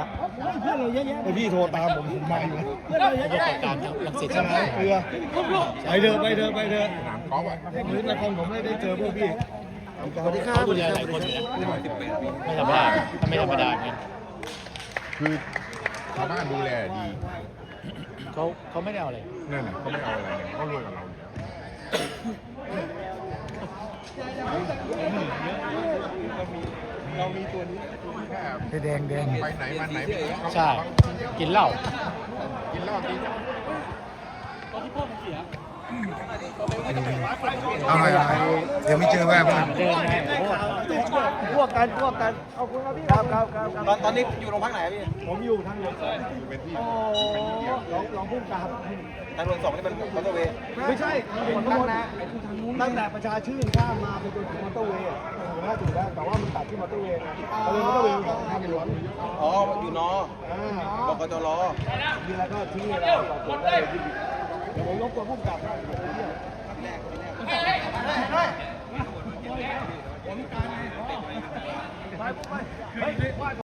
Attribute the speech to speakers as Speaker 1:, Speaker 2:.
Speaker 1: เพื่อนเราเยอะแยะพี่โทรตามผมมาอยู่เพื่อนเราเยอะแยะการลังสิตใช่ไหมเรือไปเถอะพื้นนครผมได้เจอพวกพี่สวัสดีครับคุณยายหลายคนไม่ธรรมดาไม่ธรรมดาเนี่ย
Speaker 2: คือชาวบ้านดูแลดี
Speaker 1: เขาไม่ได้เอาอะไร
Speaker 2: นั่นแหละเขาไม่เอาอะไรเนี่ยเขารวยกับเราอยู่เรามีตัวนี้แค่แดงไปไหนมาไหน
Speaker 1: ใช่กินเหล้า
Speaker 2: กินเหล้ากิน
Speaker 3: เอาไงเดี๋ยวไม่เจอแม่บ้าน
Speaker 1: เดินไงพวกกันเอาคุณครับพี่ครับตอนนี้อยู่โรงพักไหนพี่ผมอยู่ทางหลวง
Speaker 2: เป็นที่
Speaker 1: โอ้ลองพุ่งกลับทางหลวง2นี่มันมอเตอร์เวย์ไม่ใช่ทางหลวงตั้งแต่ประชาชื่นข้ามมาไปจนถึงมอเตอร์เวย์ถึงแล้วแต่ว่ามันตัดที่มอเตอร์เวย์ก็เลยมอเตอร์เวย์ของทางหลวงอ๋ออยู่นบกจรมีแล้วก็ที่เราต่อผมได้เดี๋ยวผมลบตัวพุ่งกลับไป